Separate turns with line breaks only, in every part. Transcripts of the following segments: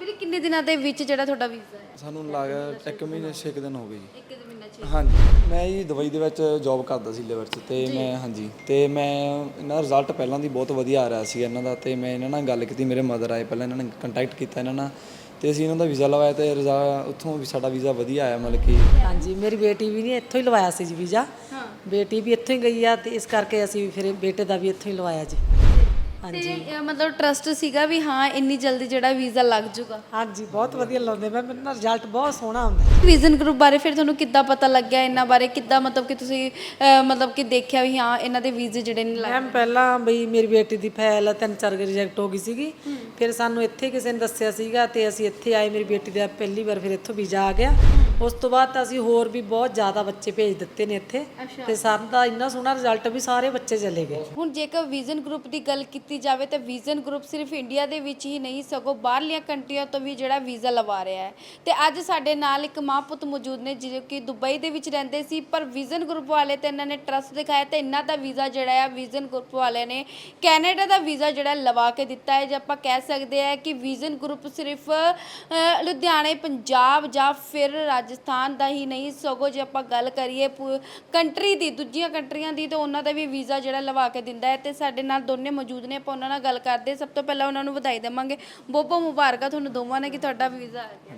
ਫਿਰ ਕਿੰਨੇ ਦਿਨਾਂ ਦੇ ਵਿੱਚ ਜਿਹੜਾ ਤੁਹਾਡਾ ਵੀਜ਼ਾ ਹੈ?
ਸਾਨੂੰ ਲੱਗਾ 1 ਮਹੀਨੇ 6 ਦਿਨ ਹੋ ਗਏ ਜੀ।
ਇੱਕ ਦਿਨ ਮਹੀਨਾ 6
ਹਾਂਜੀ ਮੈਂ ਜੀ ਦੁਬਈ ਦੇ ਵਿੱਚ ਜੌਬ ਕਰਦਾ ਸੀ ਲੇਬਰ 'ਚ ਤੇ ਮੈਂ ਹਾਂਜੀ ਤੇ ਮੈਂ ਇਹਨਾਂ ਦਾ ਰਿਜ਼ਲਟ ਪਹਿਲਾਂ ਦੀ ਬਹੁਤ ਵਧੀਆ ਆ ਰਿਹਾ ਸੀ ਇਹਨਾਂ ਦਾ ਤੇ ਮੈਂ ਇਹਨਾਂ ਨਾਲ ਗੱਲ ਕੀਤੀ। ਮੇਰੇ ਮਦਰ ਆਏ ਪਹਿਲਾਂ, ਇਹਨਾਂ ਨੇ ਕੰਟੈਕਟ ਕੀਤਾ ਇਹਨਾਂ ਨਾਲ ਤੇ ਅਸੀਂ ਇਹਨਾਂ ਦਾ ਵੀਜ਼ਾ ਲਵਾਇਆ ਤੇ ਉੱਥੋਂ ਵੀ ਸਾਡਾ ਵੀਜ਼ਾ ਵਧੀਆ ਆਇਆ। ਮਤਲਬ ਕਿ
ਹਾਂਜੀ ਮੇਰੀ ਬੇਟੀ ਵੀ ਨਹੀਂ ਇੱਥੋਂ ਹੀ ਲਵਾਇਆ ਸੀ ਜੀ ਵੀਜ਼ਾ। ਬੇਟੀ ਵੀ ਇੱਥੋਂ ਹੀ ਗਈ ਆ ਤੇ ਇਸ ਕਰਕੇ ਅਸੀਂ ਫਿਰ ਬੇਟੇ ਦਾ ਵੀ ਇੱਥੋਂ ਹੀ ਲਵਾਇਆ ਜੀ।
ਤੇ ਮਤਲਬ ਟਰਸਟ ਸੀਗਾ ਵੀ ਹਾਂ ਇੰਨੀ ਜਲਦੀ ਜਿਹੜਾ ਵੀਜ਼ਾ ਲੱਗ ਜੂਗਾ।
ਹਾਂਜੀ ਬਹੁਤ ਵਧੀਆ ਲਾਉਂਦੇ ਮੈਂ, ਮੈਨੂੰ ਨਾ ਰਿਜ਼ਲਟ ਬਹੁਤ ਸੋਹਣਾ ਆਉਂਦਾ।
ਵਿਜ਼ਨ ਗਰੁੱਪ ਬਾਰੇ ਫਿਰ ਤੁਹਾਨੂੰ ਕਿੱਦਾਂ ਪਤਾ ਲੱਗਿਆ, ਇਹਨਾਂ ਬਾਰੇ ਕਿੱਦਾਂ ਮਤਲਬ ਕਿ ਤੁਸੀਂ ਮਤਲਬ ਕਿ ਦੇਖਿਆ ਵੀ ਹਾਂ ਇਹਨਾਂ ਦੇ ਵੀਜ਼ੇ ਜਿਹੜੇ ਨੇ
ਮੈਮ ਪਹਿਲਾਂ ਬਈ ਮੇਰੀ ਬੇਟੀ ਦੀ ਫਾਈਲ 3-4 ਰਿਜੈਕਟ ਹੋ ਗਈ ਸੀਗੀ। ਫਿਰ ਸਾਨੂੰ ਇੱਥੇ ਕਿਸੇ ਨੇ ਦੱਸਿਆ ਸੀਗਾ ਤੇ ਅਸੀਂ ਇੱਥੇ ਆਏ। ਮੇਰੀ ਬੇਟੀ ਦਾ ਪਹਿਲੀ ਵਾਰ ਫਿਰ ਇੱਥੋਂ ਵੀਜ਼ਾ ਆ ਗਿਆ। ਉਸ ਤੋਂ ਬਾਅਦ ਤਾਂ ਅਸੀਂ ਹੋਰ ਵੀ ਬਹੁਤ ਜ਼ਿਆਦਾ ਬੱਚੇ ਭੇਜ ਦਿੱਤੇ ਨੇ ਇੱਥੇ ਤੇ ਸਾਨੂੰ ਤਾਂ ਇੰਨਾ ਸੋਹਣਾ ਰਿਜ਼ਲਟ ਵੀ ਸਾਰੇ ਬੱਚੇ ਚਲੇ ਗਏ।
ਹੁਣ ਜੇਕਰ ਵਿਜ਼ਨ ਗਰੁੱਪ ਦੀ ਗੱਲ ਕੀਤੀ ਜਾਵੇ ਤਾਂ ਵਿਜ਼ਨ ਗਰੁੱਪ ਸਿਰਫ ਇੰਡੀਆ ਦੇ ਵਿੱਚ ਹੀ ਨਹੀਂ ਸਗੋਂ ਬਾਹਰਲੀਆਂ ਕੰਟਰੀਆਂ ਤੋਂ ਵੀ ਜਿਹੜਾ ਵੀਜ਼ਾ ਲਵਾ ਰਿਹਾ ਹੈ। ਤੇ ਅੱਜ ਸਾਡੇ ਨਾਲ ਇੱਕ ਮਾਂ ਪੁੱਤ ਮੌਜੂਦ ਨੇ ਜਿਹੜੇ ਕਿ ਦੁਬਈ ਦੇ ਵਿੱਚ ਰਹਿੰਦੇ ਸੀ, ਪਰ ਵਿਜ਼ਨ ਗਰੁੱਪ ਵਾਲੇ ਤੇ ਇਹਨਾਂ ਨੇ ਟਰਸਟ ਦਿਖਾਇਆ ਤੇ ਇਹਨਾਂ ਦਾ ਵੀਜ਼ਾ ਜਿਹੜਾ ਆ ਵਿਜ਼ਨ ਗਰੁੱਪ ਵਾਲਿਆਂ ਨੇ ਕੈਨੇਡਾ ਦਾ ਵੀਜ਼ਾ ਜਿਹੜਾ ਲਵਾ ਕੇ ਦਿੱਤਾ ਹੈ। ਜੇ ਆਪਾਂ ਕਹਿ ਸਕਦੇ ਆ ਕਿ ਵਿਜ਼ਨ ਗਰੁੱਪ ਸਿਰਫ ਲੁਧਿਆਣੇ, ਪੰਜਾਬ ਜਾਂ ਫਿਰ ਰਾਜਸਥਾਨ ਦਾ ਹੀ ਨਹੀਂ ਸਗੋਂ ਜੇ ਆਪਾਂ ਗੱਲ ਕਰੀਏ ਕੰਟਰੀ ਦੀ, ਦੂਜੀਆਂ ਕੰਟਰੀਆਂ ਦੀ, ਤਾਂ ਉਹਨਾਂ ਦਾ ਵੀ ਵੀਜ਼ਾ ਜਿਹੜਾ ਲਵਾ ਕੇ ਦਿੰਦਾ ਹੈ। ਤੇ ਸਾਡੇ ਨਾਲ ਦੋਨੇ ਮੌਜੂਦ ਨੇ, ਆਪਾਂ ਉਹਨਾਂ ਨਾਲ ਗੱਲ ਕਰਦੇ। ਸਭ ਤੋਂ ਪਹਿਲਾਂ ਉਹਨਾਂ ਨੂੰ ਵਧਾਈ ਦੇਵਾਂਗੇ, ਬਹੁਤ ਮੁਬਾਰਕਾਂ ਤੁਹਾਨੂੰ ਦੋਵਾਂ ਨੇ ਕਿ ਤੁਹਾਡਾ ਵੀਜ਼ਾ ਆ ਗਿਆ।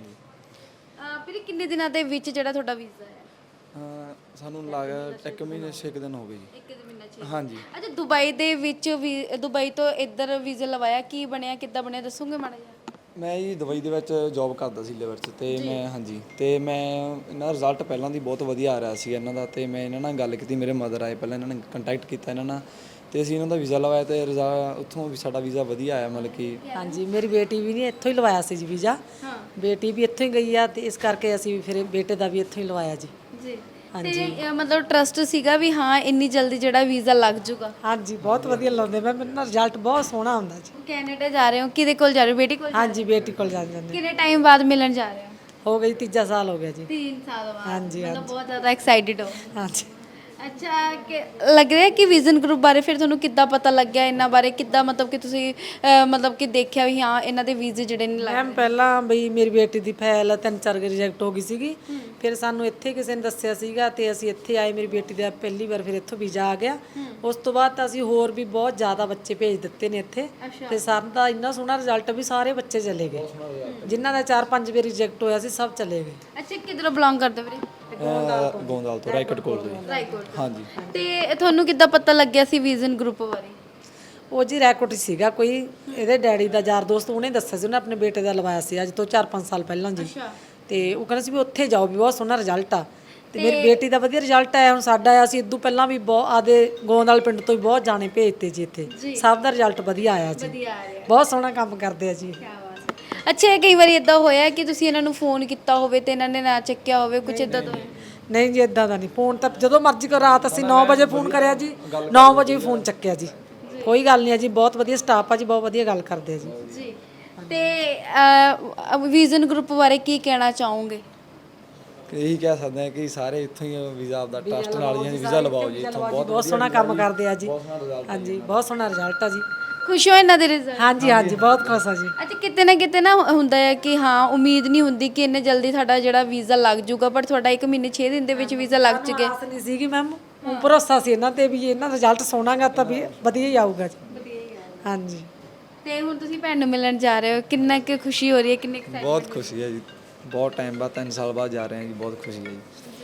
ਫਿਰ ਕਿੰਨੇ ਦਿਨਾਂ ਦੇ ਵਿੱਚ ਜਿਹੜਾ ਤੁਹਾਡਾ ਵੀਜ਼ਾ ਹੈ?
ਸਾਨੂੰ ਲੱਗਾ 1 ਮਹੀਨੇ 6 ਦਿਨ ਹੋ ਗਏ ਜੀ।
ਇੱਕ ਦਿਨ ਮਹੀਨਾ 6।
ਹਾਂਜੀ
ਅੱਛਾ ਦੁਬਈ ਦੇ ਵਿੱਚ ਵੀ ਦੁਬਈ ਤੋਂ ਇੱਧਰ ਵੀਜ਼ਾ ਲਵਾਇਆ, ਕੀ ਬਣਿਆ, ਕਿੱਦਾਂ ਬਣਿਆ, ਦੱਸੋਗੇ ਮਾੜਾ ਜਿਹਾ?
ਮੈਂ ਜੀ ਦੁਬਈ ਦੇ ਵਿੱਚ ਜੌਬ ਕਰਦਾ ਸੀ ਲੇਬਰ 'ਚ ਤੇ ਮੈਂ ਹਾਂਜੀ ਤੇ ਮੈਂ ਇਹਨਾਂ ਦਾ ਰਿਜ਼ਲਟ ਪਹਿਲਾਂ ਦੀ ਬਹੁਤ ਵਧੀਆ ਆ ਰਿਹਾ ਸੀ ਇਹਨਾਂ ਦਾ ਤੇ ਮੈਂ ਇਹਨਾਂ ਨਾਲ ਗੱਲ ਕੀਤੀ। ਮੇਰੇ ਮਦਰ ਆਏ ਪਹਿਲਾਂ, ਇਹਨਾਂ ਨੇ ਕੰਟੈਕਟ ਕੀਤਾ ਇਹਨਾਂ ਨਾਲ ਤੇ ਅਸੀਂ ਇਹਨਾਂ ਦਾ ਵੀਜ਼ਾ ਲਵਾਇਆ ਤੇ ਉੱਥੋਂ ਵੀ ਸਾਡਾ ਵੀਜ਼ਾ ਵਧੀਆ ਆਇਆ। ਮਤਲਬ ਕਿ
ਹਾਂਜੀ ਮੇਰੀ ਬੇਟੀ ਵੀ ਨਹੀਂ ਇੱਥੋਂ ਹੀ ਲਵਾਇਆ ਸੀ ਜੀ ਵੀਜ਼ਾ। ਬੇਟੀ ਵੀ ਇੱਥੋਂ ਹੀ ਗਈ ਆ ਤੇ ਇਸ ਕਰਕੇ ਅਸੀਂ ਫਿਰ ਬੇਟੇ ਦਾ ਵੀ ਇੱਥੋਂ ਹੀ ਲਵਾਇਆ ਜੀ।
ਜੀ ਤੇ ਮਤਲਬ ਟਰਸਟ ਸੀਗਾ ਵੀ ਹਾਂ ਇੰਨੀ ਜਲਦੀ ਜਿਹੜਾ ਵੀਜ਼ਾ ਲੱਗ ਜੂਗਾ।
ਹਾਂਜੀ ਬਹੁਤ ਵਧੀਆ ਲਾਉਂਦੇ ਮੈਂ, ਮੈਨੂੰ ਨਾ ਰਿਜ਼ਲਟ ਬਹੁਤ ਸੋਹਣਾ ਆਉਂਦਾ ਜੀ।
ਕੈਨੇਡਾ ਜਾ ਰਹੇ ਹੋ, ਕਿਹਦੇ ਕੋਲ ਜਾ ਰਹੇ ਹੋ? ਬੇਟੀ ਕੋਲ?
ਹਾਂਜੀ ਬੇਟੀ ਕੋਲ ਜਾਂਦੇ।
ਕਿੰਨੇ ਟਾਈਮ ਬਾਅਦ ਮਿਲਣ ਜਾ ਰਹੇ ਹੋ?
ਹੋ ਗਈ 3 ਸਾਲ ਹੋ ਗਿਆ ਜੀ।
3 ਸਾਲ ਬਾਅਦ?
ਹਾਂਜੀ
ਮਤਲਬ ਬਹੁਤ ਜ਼ਿਆਦਾ ਐਕਸਾਈਟਿਡ ਹੋ।
ਹਾਂਜੀ
ਅੱਛਾ ਕਿ ਲੱਗ ਰਿਹਾ ਕਿ ਵਿਜ਼ਨ ਗਰੁੱਪ ਬਾਰੇ ਫਿਰ ਤੁਹਾਨੂੰ ਕਿੱਦਾਂ ਪਤਾ ਲੱਗਿਆ, ਇਹਨਾਂ ਬਾਰੇ ਕਿੱਦਾਂ ਮਤਲਬ ਕਿ ਤੁਸੀਂ ਮਤਲਬ ਕਿ ਦੇਖਿਆ ਵੀ ਹਾਂ ਇਹਨਾਂ ਦੇ ਵੀਜ਼ੇ ਜਿਹੜੇ ਨੇ
ਮੈਮ ਪਹਿਲਾਂ ਬਈ ਮੇਰੀ ਬੇਟੀ ਦੀ ਫਾਈਲ 3-4 ਰਿਜੈਕਟ ਹੋ ਗਈ ਸੀਗੀ। ਫਿਰ ਸਾਨੂੰ ਇੱਥੇ ਕਿਸੇ ਨੇ ਦੱਸਿਆ ਸੀਗਾ ਤੇ ਅਸੀਂ ਇੱਥੇ ਆਏ। ਮੇਰੀ ਬੇਟੀ ਦਾ ਪਹਿਲੀ ਵਾਰ ਫਿਰ ਇੱਥੋਂ ਵੀਜ਼ਾ ਆ ਗਿਆ। ਉਸ ਤੋਂ ਬਾਅਦ ਤਾਂ ਅਸੀਂ ਹੋਰ ਵੀ ਬਹੁਤ ਜ਼ਿਆਦਾ ਬੱਚੇ ਭੇਜ ਦਿੱਤੇ ਨੇ ਇੱਥੇ ਤੇ ਸਾਨੂੰ ਤਾਂ ਇੰਨਾ ਸੋਹਣਾ ਰਿਜ਼ਲਟ ਵੀ ਸਾਰੇ ਬੱਚੇ ਚਲੇ ਗਏ। ਜਿਨ੍ਹਾਂ ਦਾ 4-5 ਵਾਰ ਰਿਜੈਕਟ ਹੋਇਆ ਸੀ ਸਭ ਚਲੇ ਗਏ।
ਅੱਛਾ ਕਿੱਧਰੋਂ ਬਿਲੋਂਗ ਕਰਦੇ ਵੀਰੇ?
ਗੋਂਦਾਲ ਤੋਂ, ਰਾਏਕੋਟ ਕੋਲ ਤੋਂ ਜੀ।
ਰਾਏਕੋਟ।
ਹਾਂਜੀ
ਤੇ ਤੁਹਾਨੂੰ ਕਿੱਦਾਂ ਪਤਾ ਲੱਗਿਆ ਸੀ ਵਿਜ਼ਨ ਗਰੁੱਪ ਬਾਰੇ?
ਉਹ ਜੀ ਰਾਏਕੋਟ ਸੀਗਾ ਕੋਈ ਇਹਦੇ ਡੈਡੀ ਦਾ ਯਾਰ ਦੋਸਤ, ਉਹਨੇ ਦੱਸਿਆ ਸੀ। ਉਹਨੇ ਆਪਣੇ ਬੇਟੇ ਦਾ ਲਵਾਇਆ ਸੀ ਅੱਜ ਤੋਂ 4-5 ਸਾਲ ਪਹਿਲਾਂ ਜੀ। ਤੇ ਉਹ ਕਹਿੰਦਾ ਸੀ ਵੀ ਉੱਥੇ ਜਾਓ ਵੀ ਬਹੁਤ ਸੋਹਣਾ ਰਿਜ਼ਲਟ ਆ। ਤੇ ਮੇਰੀ ਬੇਟੀ ਦਾ ਵਧੀਆ ਰਿਜ਼ਲਟ ਆਇਆ। ਹੁਣ ਸਾਡਾ ਆਇਆ ਸੀ ਇਦੋਂ ਪਹਿਲਾਂ ਵੀ ਬਹੁਤ ਆਦੇ ਗੋਂਦਾਲ ਪਿੰਡ ਤੋਂ ਵੀ ਬਹੁਤ ਜਾਣੇ ਭੇਜਤੇ ਜੀ ਇੱਥੇ। ਸਭ ਦਾ ਰਿਜ਼ਲਟ ਵਧੀਆ ਆਇਆ ਜੀ। ਬਹੁਤ ਸੋਹਣਾ ਕੰਮ ਕਰਦੇ ਆ ਜੀ।
ਅੱਛਾ ਕਈ ਵਾਰੀ ਇਦਾਂ ਹੋਇਆ ਕਿ ਤੁਸੀਂ ਇਹਨਾਂ ਨੂੰ ਫੋਨ ਕੀਤਾ ਹੋਵੇ ਤੇ ਇਹਨਾਂ ਨੇ ਨਾ ਚੱਕਿਆ ਹੋਵੇ, ਕੁਝ ਇਦਾਂ ਦਾ?
ਨਹੀਂ ਜੀ ਇਦਾਂ ਦਾ ਨਹੀਂ। ਫੋਨ ਤਾਂ ਜਦੋਂ ਮਰਜ਼ੀ ਕਰੋ। ਰਾਤ ਅਸੀਂ 9 ਵਜੇ ਫੋਨ ਕਰਿਆ ਜੀ, 9 ਵਜੇ ਫੋਨ ਚੱਕਿਆ ਜੀ। ਕੋਈ ਗੱਲ ਨਹੀਂ ਆ ਜੀ, ਬਹੁਤ ਵਧੀਆ ਸਟਾਫ ਆ ਜੀ, ਬਹੁਤ ਵਧੀਆ ਗੱਲ ਕਰਦੇ ਆ ਜੀ।
ਤੇ ਵਿਜ਼ਨ ਗਰੁੱਪ ਬਾਰੇ ਕੀ ਕਹਿਣਾ ਚਾਹੋਗੇ?
ਇਹੀ ਕਹਿ ਸਕਦੇ ਹਾਂ ਕਿ ਸਾਰੇ ਇੱਥੋਂ ਹੀ ਵੀਜ਼ਾ ਆਪਦਾ ਟਰਸਟ ਨਾਲ ਹੀ ਵੀਜ਼ਾ ਲਵਾਓ ਜੀ। ਇੱਥੋਂ
ਬਹੁਤ ਸੋਹਣਾ ਕੰਮ ਕਰਦੇ ਆ ਜੀ। ਹਾਂਜੀ ਬਹੁਤ ਸੋਹਣਾ ਰਿਜ਼ਲਟ ਆ ਜੀ।
ਖੁਸ਼ ਹੋ ਇਹਨਾਂ ਦੇ ਰਿਜ਼ਲਟ?
ਹਾਂਜੀ ਹਾਂਜੀ ਬਹੁਤ ਖੁਸ਼ ਆ ਜੀ।
ਅੱਛਾ ਕਿਤੇ ਨਾ ਹੁੰਦਾ ਹੈ ਕਿ ਹਾਂ ਉਮੀਦ ਨਹੀਂ ਹੁੰਦੀ ਕਿ ਇੰਨੇ ਜਲਦੀ ਸਾਡਾ ਜਿਹੜਾ ਵੀਜ਼ਾ ਲੱਗ ਜੂਗਾ, ਪਰ ਤੁਹਾਡਾ 1 ਮਹੀਨੇ 6 ਦਿਨ ਦੇ ਵਿੱਚ ਵੀਜ਼ਾ ਲੱਗ ਚੁੱਕਿਆ।
ਆਸ ਨਹੀਂ ਸੀਗੀ ਮੈਮ, ਭਰੋਸਾ ਸੀ ਇਹਨਾਂ ਤੇ ਵੀ ਇਹਨਾਂ ਦਾ ਰਿਜ਼ਲਟ ਸੋਹਣਾਗਾ ਤਾਂ ਵੀ ਵਧੀਆ ਹੀ ਆਊਗਾ ਜੀ। ਹਾਂਜੀ
ਤੇ ਹੁਣ ਤੁਸੀਂ ਭੈਣ ਨੂੰ ਮਿਲਣ ਜਾ ਰਹੇ ਹੋ, ਕਿੰਨਾ ਕੁ ਖੁਸ਼ੀ ਹੋ ਰਹੀ ਹੈ, ਕਿੰਨੇ
ਬਹੁਤ ਖੁਸ਼ੀ ਹੈ ਜੀ। ਬਹੁਤ ਟਾਈਮ ਬਾਅਦ 3 ਸਾਲ ਬਾਅਦ ਜਾ ਰਹੇ ਹਾਂ ਜੀ। ਬਹੁਤ ਖੁਸ਼ੀ ਹੈ ਜੀ।